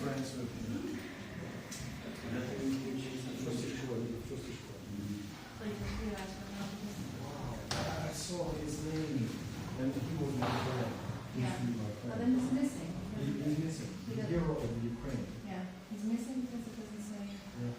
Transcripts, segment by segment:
friends with him. I saw his name, and he was my friend. Yeah. But then he's missing. He's missing. The hero of Ukraine. Yeah, he's missing because it doesn't say. Yeah.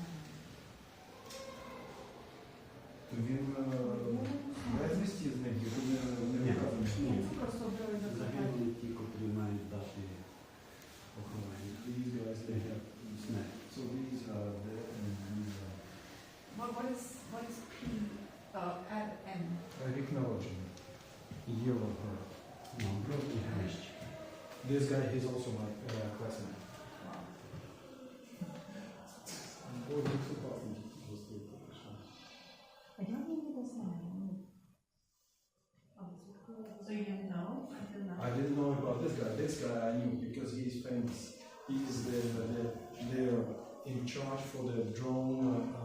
То він безвісті зник, його не вказано. Ні, це просто обрали до Загинули ті, котрі мають дати поховання. These guys, they have Смерть. so these are there and these are What is P? Add M. рік народження. Year of her. Ну, бродні хрещ. This guy, he's also my classmate. Wow. Ой, він супасний, просто прийшов. I don't think it was M. So you didn't know until now? I didn't know about this guy. This guy I knew because he's famous. He is they're in charge for the drone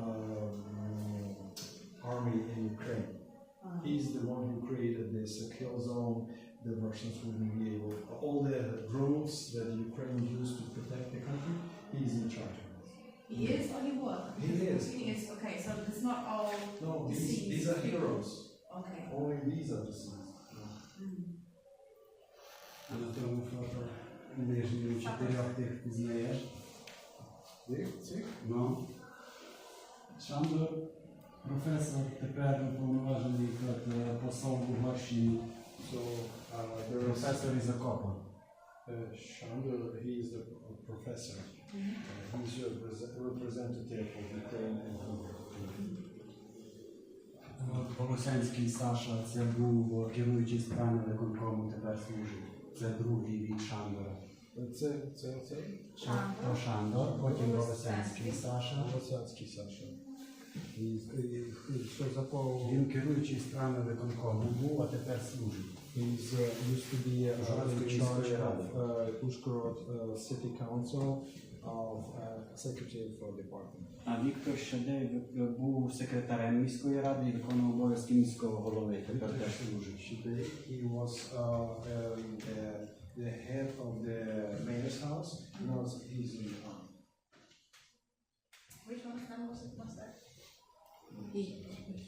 army in Ukraine. He's the one who created this kill zone. The Russians wouldn't be able. All the drones that Ukraine used to protect the country, he's in charge of this. He is or he was? He is. He is. Okay, so it's not all. No, Deceased. these are heroes. Okay. Only these are deceased. А на тому фото нижньому чотирьох тих пізнаєш? Цих? Ну. Шандор, професор, тепер уповноважений як посол в Угорщині. So Професор із Акопа. Shandor, he is the professor. He's a representative of Ukraine and Hungary. Волосянський Саша, це був керуючий справами виконкому, тепер служить. Це другий від Шандора. Це То Шандор, потім Волосянський Саша. Волосянський Саша. І що за Він керуючий справами виконкому був, а тепер служить. He's used to be in charge of Uzhhorod City Council of Secretary for Department. А Віктор Шадей був секретарем міської ради і виконував обов'язки міського голови, тепер теж служить. He was the head of the mayor's house. Now he's in the army. Which one was that? He.